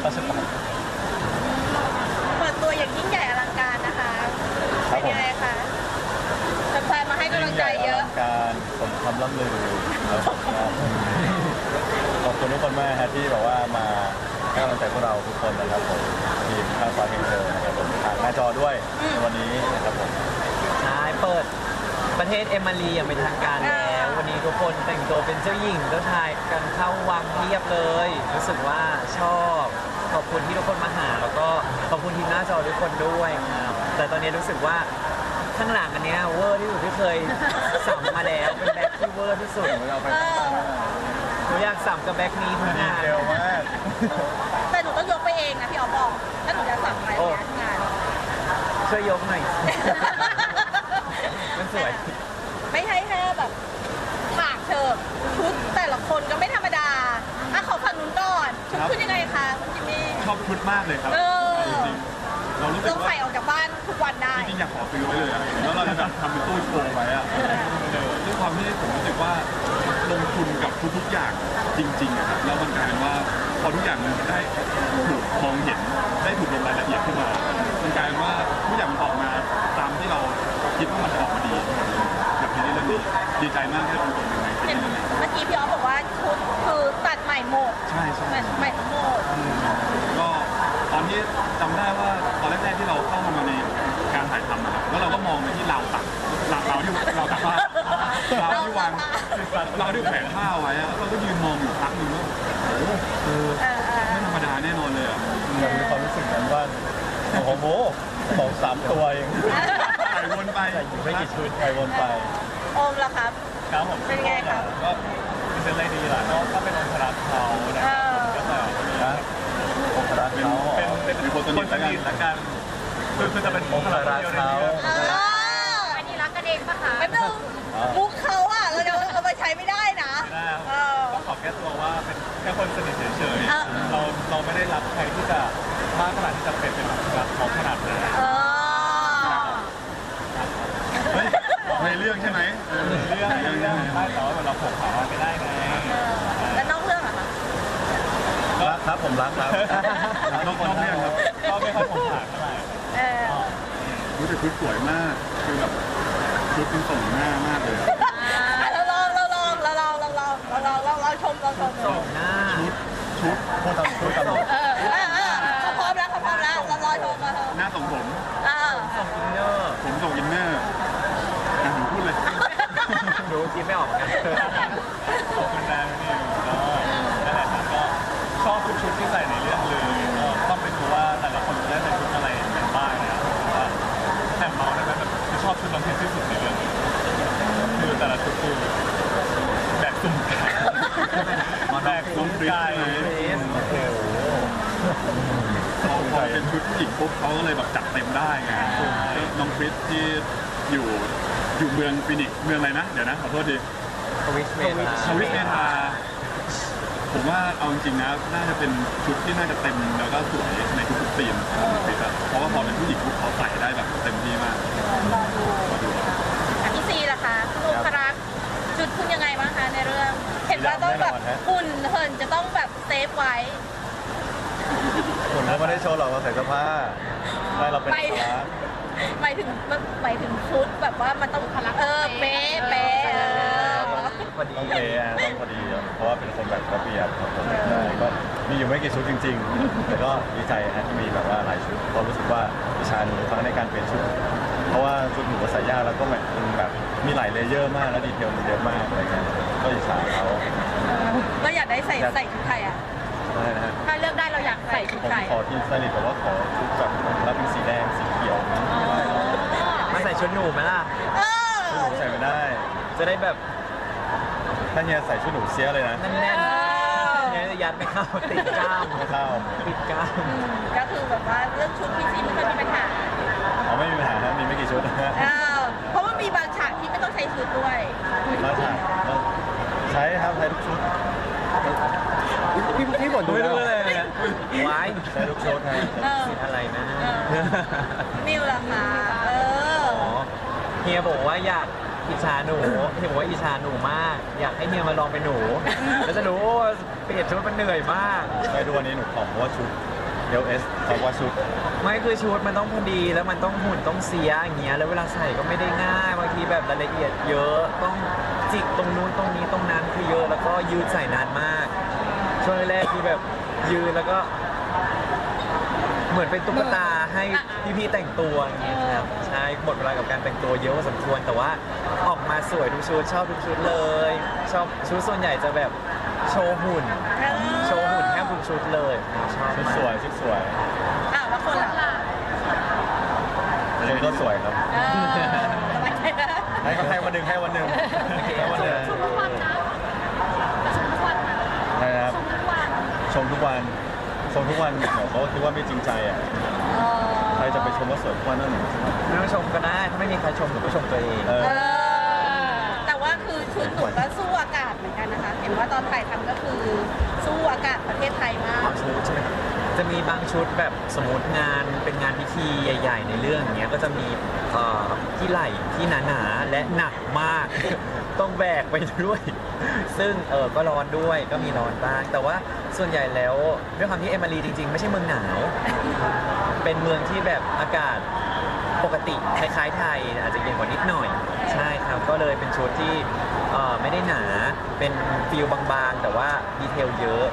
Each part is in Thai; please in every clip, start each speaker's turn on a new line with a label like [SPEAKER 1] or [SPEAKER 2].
[SPEAKER 1] เขาจะบอก
[SPEAKER 2] เปิดตัวอย่างยิ่งใหญ่อลังการนะคะเป็นยังไงคะแฟนๆมาให้กำลังใจเยอะ
[SPEAKER 1] การสมคำล่ำลือขอบคุณทุกคนมากฮะที่แบบว่ามาให้กำลังใจพวกเราทุกคนนะครับผมทีมข้าวฟ้าเพลงเธอนะครับผมทางหน้าจอด้วยในวันนี้นะครับผม
[SPEAKER 3] ใช่เปิดประเทศเอมารีอย่างเป็นทางการแล้ววันนี้ทุกคนแต่งตัวเป็นเจ้าหญิงเจ้าชายกันเข้าวังเรียบเลยรู้สึกว่าชอบขอบคุณที่ทุกคนมาหาแล้วก็ขอบคุณทีมหน้าจอทุกคนด้วยครับแต่ตอนนี้รู้สึกว่าข้างหลังอันเนี้ยเวอร์ที่สุดที่เคยสัมมาแล้วเป็นแบ็คที่เวอร์ที่สุด
[SPEAKER 1] เราไป
[SPEAKER 3] หนูอยากสัมกับแบ็คนี้ทุกงาน
[SPEAKER 1] เร็วมาก
[SPEAKER 2] แต่หนูต้องยกไปเองนะพี่อ๋อบอกถ้าหนูจะสั่งไปงาน
[SPEAKER 3] ช่วยยกหน่อยมันสวย
[SPEAKER 2] ไม่ใช่แค่แบบฉากเธอชุดแต่ละคนก็ไม่ธรรมดาอ่ะขอฝั่งนู้นก่อนชุดคุณยังไงคะคุณจิมมี่
[SPEAKER 4] ชอบชุดมากเลยครับจริงๆเรารู้สึกว่า
[SPEAKER 2] ใส่ออกจากบ้านทุกวันได้
[SPEAKER 4] จริงๆอยากขอซื้อไว้เลยแล้วเราจะแบบทำเป็นตู้โชว์ไว้อะด้วยความที่ผมรู้สึกว่าลงทุนกับทุกๆอย่างจริงๆครับแล้วมันกลายเป็นว่าพอทุกอย่างมันได้ถูกมองเห็นได้ถูกลงรายละเอียดขึ้นมามันกลายเป็นว่าทุกอย่างมันออกมาตามที่เราคิดว่ามันจะออกมาดีแบบนี้เรื่องนี้ดีใจมากที่เราเป็นคนหนึ่งใน
[SPEAKER 2] เมื่อกี้พี่อ๋อบอกว่าชุดคือตัดใหม่หมด
[SPEAKER 4] ใช่
[SPEAKER 2] ใหม่ทั้งหมด
[SPEAKER 4] ก็ตอนที่จำได้ว่าตอนแรกๆที่เราเข้ามาในการถ่ายทำนะครับแล้วเราก็มองไปที่ราวตักเราที่ผ้าเราที่วางเราที่แขวนผ้าไว้อะเราก็ยืนมองอยู่พักหนึ่งว่าโอ้โหไม่ธรรมดาแน่นอนเลยอ่ะ
[SPEAKER 1] มีความรู้สึกเหมือนว่าโอ้โห2-3 ตัวเอง
[SPEAKER 4] ใส่วนไป
[SPEAKER 1] อยู่ไม่กี่ชุดใส่วนไป
[SPEAKER 2] โอมล่ะครับ
[SPEAKER 1] ครับผม
[SPEAKER 2] เป็นไงครับ
[SPEAKER 1] ก็เป็นอะไรดีล่ะก็เป็นองค์รักเขานะครับก็แบบองค์รักเขา
[SPEAKER 4] เป็นคนสนิท
[SPEAKER 1] ละกันคือจะเป็นองค์รักเขา
[SPEAKER 2] อันนี้รักกันเองปะคะไม่ต้องมุกเขาอ่ะเราจะเอาไปใช้ไม่ได้นะ
[SPEAKER 1] ก็ขอแก้ตัวว่าเป็นแค่คนสนิทเฉยๆเราไม่ได้รับใครที่จะมากขนาดที่จะเป็นรักเขาขนาดนั้น
[SPEAKER 4] ในเรื่องใช่ไหม
[SPEAKER 1] เรื่องได้แต่ว่าเราผมเขาไม่ได้ไง
[SPEAKER 2] แล้วนอกเรื่องอะคะ
[SPEAKER 1] รักครับผมรักครับ
[SPEAKER 4] นอกเรื่องครับ
[SPEAKER 1] ก็ไม่ค่อยผมผ่านเท่าไหร่
[SPEAKER 4] รู้สึกชุดสวยมากคือแบบชุดเป็นส่งหน้ามากเลย
[SPEAKER 2] เราลองชม
[SPEAKER 3] ส่งหน้า
[SPEAKER 4] ชุด
[SPEAKER 1] พูดตามเขาพร้อม
[SPEAKER 2] แล้วเรารอชมมาเถอะ
[SPEAKER 4] หน้าส่งผม
[SPEAKER 3] ส่งอินเนอร์
[SPEAKER 4] ผมส่งอินเนอร์ผมพูดเลย
[SPEAKER 3] ดูคิดไม่ออกกัน
[SPEAKER 1] ขอบคุณแดนนี่ก็นั่นแหละครับก็ชอบทุกชุดที่ใส่ในเรื่องเลยก็ต้องไปดูว่าแต่ละคนจะได้ใส่ชุดอะไรกันบ้างนะครับแถมเราได้ไหมแบบชอบชุดน้องที่สุดในเรื่องคือแต่ละชุดคือแบกสุ่มไก่แบกสุ่มไก่
[SPEAKER 4] พอเป็นชุดผู้หญิงปุ๊บเขาก็เลยแบบจัดเต็มได้ไงน้องคริสที่อยู่เมืองฟินิกซ์เมืองอะไรนะเดี๋ยวนะขอโทษดี
[SPEAKER 3] สวิสเม
[SPEAKER 4] ธาผมว่าเอาจริงๆนะน่าจะเป็นชุดที่น่าจะเต็มแล้วก็สวยในทุกๆธีมของคริสเพราะว่าพอเป็นผู้หญิงปุ๊บเขาใส่ได้แบบเต็มที่มาก
[SPEAKER 2] มาดูพี่ซีล่ะคะคุณองครักษ์ชุดคุณยังไงบ้างคะในเรื่องเห็นว่าต้องแบบหุ่นเหินจะต้องแบบเซฟไว้
[SPEAKER 1] หุ่นเราไม่ได้โชว์หรอกเราใส่เสื้อผ้าได้เราเป็น
[SPEAKER 2] หมายถึงชุดแบบว่ามันต้องเป๊ะ
[SPEAKER 3] พอดี
[SPEAKER 1] ต้องเป๊ะต้องพอดีเพราะว่าเป็นคนแบบระเบียบครับผมก็มีอยู่ไม่กี่ชุดจริงๆแต่ก็ดีใจที่มีแบบว่าหลายชุดเพราะรู้สึกว่าวิชานี้ทั้งในการเปลี่ยนชุดเพราะว่าชุดหนูใส่ยากแล้วก็แบบมีหลายเลเยอร์มากและดีเทลมันเยอะมากอะไรเงี้ยก็อิจฉาเขา
[SPEAKER 2] ก็อยากได้ใส่ชุดไทยอ่ะถ้าเลือกได้เราอยากใส่ชุดไทย
[SPEAKER 1] ขอทีมสลิดแต่ว่าขอชุดแบบแล้วเป็นสีแดงสีเขียว
[SPEAKER 3] มาใส่ชุดหนูไหมล่ะ
[SPEAKER 1] ชุดหนูใส่ไม่ได้
[SPEAKER 3] จะได้แบบ
[SPEAKER 1] ถ้าเฮียใส่ชุดหนูเสียเลยนะ
[SPEAKER 3] แน่นๆเนี่ยยัดไม่เข้าติดกล้าม
[SPEAKER 1] ไม่เข้า
[SPEAKER 3] ติดกล้าม
[SPEAKER 2] ก็คือแบบว่าเรื่องชุดพี่ซีไม่เคยมีปัญหา
[SPEAKER 1] ไม่มีปัญหามีไม่กี่ชุด
[SPEAKER 2] เพราะว่ามีบางฉากที่ไม่ต้องใช้ชุดด้วย
[SPEAKER 1] บางฉากใช้ครับใช้ทุกชุดพี่บ่นดู
[SPEAKER 3] เลยไว้
[SPEAKER 1] ใช้ทุกชุดให้
[SPEAKER 3] อะไรนะ
[SPEAKER 2] มิวล่ะคะ
[SPEAKER 3] เฮียบอกว่าอยากอิจฉาหนูเฮียบอกว่าอิจฉาหนูมากอยากให้เฮียมาลองเป็นหนูแล้วจะรู้ว่าเปลี่ยนชุดมันเหนื่อยมาก
[SPEAKER 1] ใช่ดูวันนี้หนูผอมเพราะว่าชุด LS เขาว่าชุด
[SPEAKER 3] ไม่คือชุดมันต้องพอดีแล้วมันต้องหุ่นต้องเสียอย่างเงี้ยแล้วเวลาใส่ก็ไม่ได้ง่ายบางทีแบบรายละเอียดเยอะต้องจิกตรงนู้นตรงนี้ตรงนั้นคือเยอะแล้วก็ยืดใส่นานมากช่วงแรกคือแบบยืนแล้วก็ เหมือนเป็นตุ๊กตาให้พี่ๆแต่งตัวอย่างเงี้ยครับใช่หมดเวลากับการแต่งตัวเยอะพอสมควรแต่ว่าออกมาสวยทุกชุดชอบทุกชุดเลยชอบชุดส่วนใหญ่จะแบบโชว์หุ่นแทบทุกชุดเลยชอบ
[SPEAKER 1] ชุด
[SPEAKER 3] มาก
[SPEAKER 1] สวยชุดสวย
[SPEAKER 2] แล้วคนล่ะ
[SPEAKER 1] ชุดก็สวยครับ
[SPEAKER 2] สบายใจนะ
[SPEAKER 1] ให้วันหนึ่งให้วันหนึ่งให้วันหนึ่ง
[SPEAKER 5] ชมทุกวันนะชมทุกวันนะ
[SPEAKER 1] นะครับ
[SPEAKER 5] ชมทุกวัน
[SPEAKER 1] ชมทุกวันเดี๋ยวเขาคิดว่าไม่จริงใจอ่ะใครจะไปชมว่าสวยทุกวันนั่นหนึ่ง
[SPEAKER 3] ไม่ต้องชมก็ได้ถ้าไม่มีใครชมหนูก็ชมตัวเอง
[SPEAKER 2] แต่ว่าคือชุดหนูก็สู้อากาศเหมือนกันนะคะ เห็นว่าตอนถ่ายทำก็คือสู้อากาศประเทศไทยมาก
[SPEAKER 3] ชุดใช่ไหมจะมีบางชุดแบบสมมติงานเป็นงานพิธีใหญ่ ๆ ในเรื่องอย่างเงี้ยก็จะมีที่ไหล่ที่หนาๆและหนักมาก ต้องแบกไปด้วย ซึ่งก็ร้อนด้วยก็มีร้อนบ้างแต่ว่าส่วนใหญ่แล้วด้วยความที่เอมารีจริง ๆ ไม่ใช่เมืองหนาว เป็นเมืองที่แบบอากาศปกติคล้ายๆไทยอาจจะเย็นกว่านิดหน่อยใช่ครับก็เลยเป็นชุดที่ไม่ได้หนาเป็นฟิลบางๆ แต่ว่าดีเทลเยอะ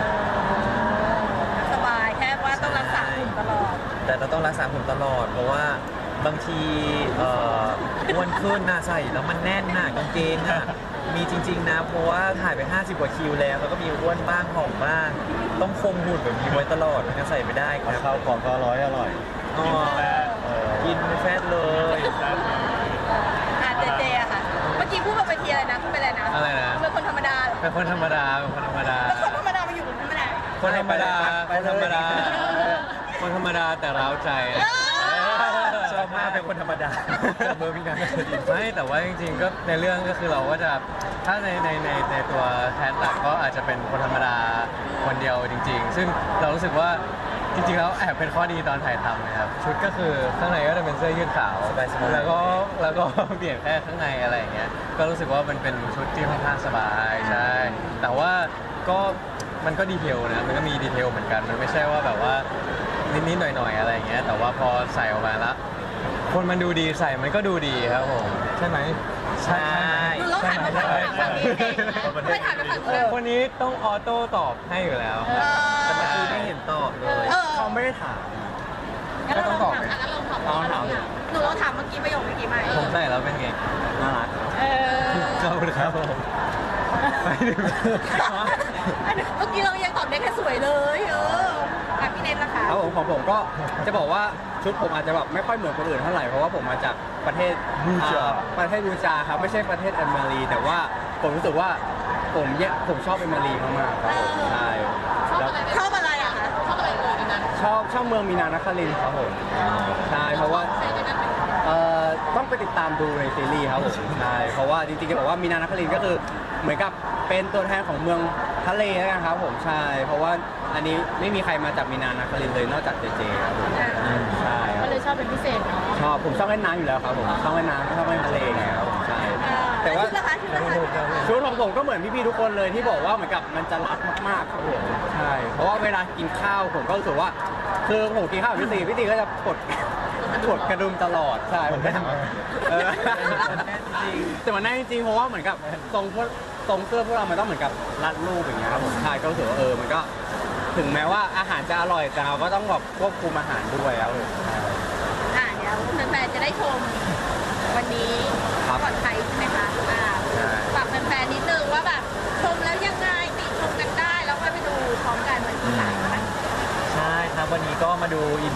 [SPEAKER 2] สบายแค่ว่าต้องรักษาหุ่นตลอด
[SPEAKER 3] แต่เราต้องรักษาหุ่นตลอด เพราะว่าบางทีอ้วนขึ้นนะใส่แล้วมันแน่นหนากางเกงอ่ะมีจริง ๆ นะ เพราะว่าถ่ายไป 50 กว่าคิวแล้วก็มีอ้วนบ้างผอมบ้าง ต้องคงหุ่นแบบนี้ไว้ตลอดไม่งั้นใส่ไม่ได้ครับ
[SPEAKER 1] ข้าวของก็อร่อย
[SPEAKER 3] อ๋อกินแฟตเลย
[SPEAKER 2] เจอะค่ะ เมื่อกี้พูดบนเวทีอะไรนะพูดไปอะไรนะ
[SPEAKER 3] อะไรนะ
[SPEAKER 2] เป็นคนธรรมดาเหรอ
[SPEAKER 3] เป็นคนธรรมดาเป็นคนธรรมดา
[SPEAKER 2] แล้วคนธรรมดามาอยู่กับธรรมดา
[SPEAKER 3] คนธรรมดาคนธรรมดาคนธรรมดาแต่ร้าวใจชอบมากเป็นคนธรรมดาเบอร์พี่นันไม่แต่ว่าจริงๆก็ในเรื่องก็คือเราก็จะถ้าในตัวแทนหลักก็อาจจะเป็นคนธรรมดาคนเดียวจริง ๆ ซึ่งเรารู้สึกว่าจริงๆแล้วแอบเป็นข้อดีตอนถ่ายทำนะครับชุดก็คือข้างในก็จะเป็นเสื้อยืดขาวแล้วก็ เปลี่ยนแค่ข้างในอะไรอย่างเงี้ยก็รู้สึกว่ามันเป็นชุดที่ค่อนข้างสบายใช่แต่ว่าก็มันก็ดีเทลนะมันก็มีดีเทลเหมือนกันมันไม่ใช่ว่าแบบว่านิดๆหน่อยๆอะไรอย่างเงี้ยแต่ว่าพอใส่ออกมาแล้วคนมันดูดีใส่มันก็ดูดีครับผมใช่ไหมใช่
[SPEAKER 2] ดูแล้วหันมาถามฝั่งนี้เองไม่ถามกับฝั่งนู้น
[SPEAKER 3] คนนี้ต้องออโต้ตอบให้อยู่แล้วแต่เมื่อกี้ไม่เห็นตอบเลย
[SPEAKER 1] เขาไม่ได้ถาม
[SPEAKER 2] งั้นเราลองถาม
[SPEAKER 5] ลองถาม
[SPEAKER 2] หนูลองถามเมื่อกี้ประโยคเมื่อกี้ไหม
[SPEAKER 3] ผมใส่แล้วเป็นไงน่ารัก ขอบคุณครับผมไปถึง
[SPEAKER 2] เมื่อกี้เรายังตอบได้แค่สวยเลยพี่เนทล่ะคะ
[SPEAKER 6] ครับผมของผมก็จะบอกว่าชุดผมอาจจะแบบไม่ค่อยเหมือนคนอื่นเท่าไหร่เพราะว่าผมมาจากประเทศบูจาครับไม่ใช่ประเทศเอมารีแต่ว่าผมรู้สึกว่าผมชอบเอมารีมากๆครับผมใช่
[SPEAKER 2] ชอบอะไรอะคะ
[SPEAKER 5] ชอบอะไรเลยในนั้น
[SPEAKER 6] ชอบเมืองมีนานครินทร์ครับผมใช่เพราะว่า
[SPEAKER 5] เซนในนั้นเป็น
[SPEAKER 6] ต้องไปติดตามดูในซีรีส์ครับผมใช่เพราะว่าจริงๆจะบอกว่ามีนานครินทร์ก็คือเหมือนกับเป็นตัวแทนของเมืองทะเลแล้วกันครับผมใช่เพราะว่าอันนี้ไม่มีใครมาจากมีนานครินทร์เลยนอกจากเจเจครับผมใช่ค
[SPEAKER 5] ก็
[SPEAKER 6] รับ
[SPEAKER 5] เลยชอบเป็นพิเศษเนาะ
[SPEAKER 6] ผมชอบเล่นน้ำอยู่แล้วครับผมชอบเล่นน้ำชอบเล่นทะเลไงครับผมใช่
[SPEAKER 2] แต่
[SPEAKER 6] แต่ว่า
[SPEAKER 2] ชุดละคะชุดละคะ
[SPEAKER 6] ชุดของผมก็เหมือนพี่ๆทุกคนเลยที่บอกว่าเหมือนกับมันจะรัดมากๆครับผมใช่เพราะว่าเวลากินข้าวผมก็รู้สึกว่าคือผมกินข้าวกับพี่ตีก็จะกดกระดุมตลอดใช่ผมก็ทำแต่มันแน่จริงเพราะว่าเหมือนกับทรงเสื้อพวกเรามันต้องเหมือนกับรัดรูปอย่างเงี้ยครับผมใช่ก็รู้สึกว่ามันก็ถึงแม้ว่าอาหารจะอร่อยแต่เราก็ต้องแบบควบคุมอาหารด้วยครับผม
[SPEAKER 2] เดี๋ยวแฟนๆจะได้ชมวันนี้ก่อนใครใช่ไหมคะฝากแฟนๆนิดนึงว่าแบบชมแล้วยังไงติชมกันได้แล้วก็ไปดูพร้อมกันวันที่3นะคะ
[SPEAKER 3] ใช่ครับวันนี้ก็มาดู EP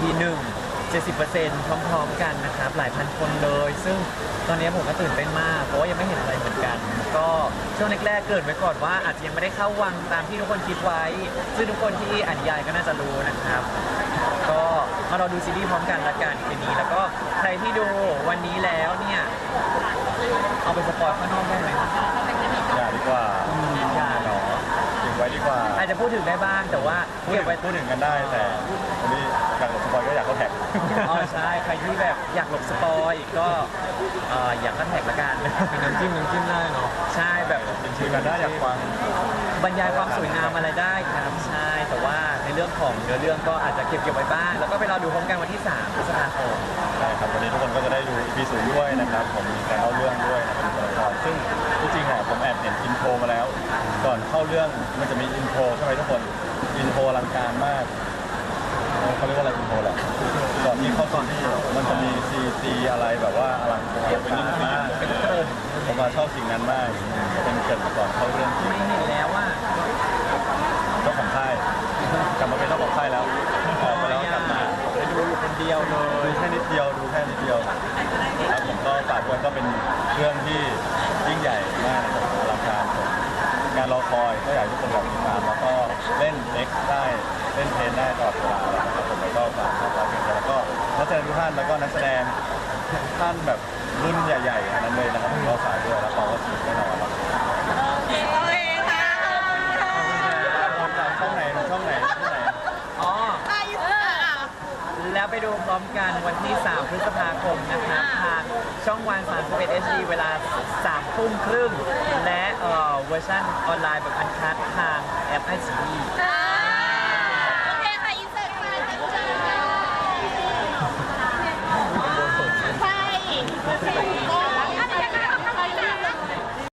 [SPEAKER 3] 1 70% พร้อมๆกันนะครับหลายพันคนเลย ซึ่งตอนนี้ผมก็ตื่นเต้นมากเพราะว่ายังไม่เห็นอะไรเหมือนกัน ก็ช่วงแรกๆเกริดไว้ก่อนว่าอาจจะยังไม่ได้เข้าวังตามที่ทุกคนคิดไว้ ซึ่งทุกคนที่อ่านนิยายก็น่าจะรู้นะครับ ก็มารอดูซีรีส์พร้อมกันละกันคืนนี้แล้วก็ใครที่ดูวันนี้แล้วเนี่ยเอาไปสปอยข้างนอกได้ไหม
[SPEAKER 1] อย่าดีกว่า
[SPEAKER 3] อย่าหรอ
[SPEAKER 1] เก็บไว้ดีกว่า
[SPEAKER 3] อาจจะพูดถึงได้บ้างแต่ว่าเก็บไว้
[SPEAKER 1] พูดถึงกันได้แต่วันนี้อยากหลบสปอยก็อยากเข้าแท็ก
[SPEAKER 3] อ๋อใช่ใครที่แบบอยากหลบสปอยก็อยากก็แท็กละกันเป็นน้ำจิ้มได้เนาะใช่แบบ
[SPEAKER 1] จริงๆกันได้อยากฟัง
[SPEAKER 3] บรรยายความสวยงามอะไรได้ครับใช่แต่ว่าในเรื่องของเนื้อเรื่องก็อาจจะเก็บไว้บ้างแล้วก็ไปรอดูพร้อมกันวันที่3พฤษภาคม
[SPEAKER 5] ใช่ครับวันนี้ทุกคนก็จะได้ดู EP 0ด้วยนะครับผมมีการเล่าเรื่องด้วยนะครับตัวละครซึ่งที่จริงอ่ะผมแอบเห็นอินโทรมาแล้ว ก่อนเข้าเรื่องมันจะมีอินโทรใช่ไหมทุกคนอินโทรอลังการมากเขาเรียกว่าอะไรอินโทรแหละก่อนที่เข้าตอนที่มันจะมีซีอะไรแบบว่าอลังการเป็นนิ่งมากผมมาชอบสิ่งนั้นมากเป็นเกิดก่อนเข้าเรื่อง
[SPEAKER 3] ไม่เห็นแล้วว่า
[SPEAKER 5] เจ้าของค่ายกลับมาเป็นเจ้าของค่ายแล้วออกไปแล้วกลับมา
[SPEAKER 3] ไปดูอยู่คนเดียวเล
[SPEAKER 5] ดู
[SPEAKER 3] ย
[SPEAKER 5] แค่นิดเดียวดูแค่นิดเดียวครับผมก็ฝากด้วยก็เป็นเรื่องที่ยิ่งใหญ่มากนะครับอลังการผมงานรอคอยก็อยากให้ทุกคนแบบติดตามแล้วก็เล่นเล็กได้เล่นเทนได้ตลอดเวลานะครับผมแล้วก็ฝากเป็นแล้วก็นักแสดงทุกท่านแล้วก็นักแสดงท่านแบบรุ่นใหญ่ๆอันนั้นเลยนะครับผมก็ฝากด้วยแล้วก็สนุกแน่นอนครับ
[SPEAKER 2] โอเคค่ะ
[SPEAKER 5] ช่องไหนช่องไหนที่ไหน
[SPEAKER 3] อ๋อ
[SPEAKER 2] ไป
[SPEAKER 3] แล้วไปดูพร้อมกันวันที่ 3 พฤษภาคมนะครับทางช่องวัน31 HD เวลา 3 ทุ่มครึ่ง และเวอร์ชันออนไลน์แบบอันคัดทางแอปไอซี
[SPEAKER 2] โอเคค่ะอินเสิร์ตค่ะใช่โอเค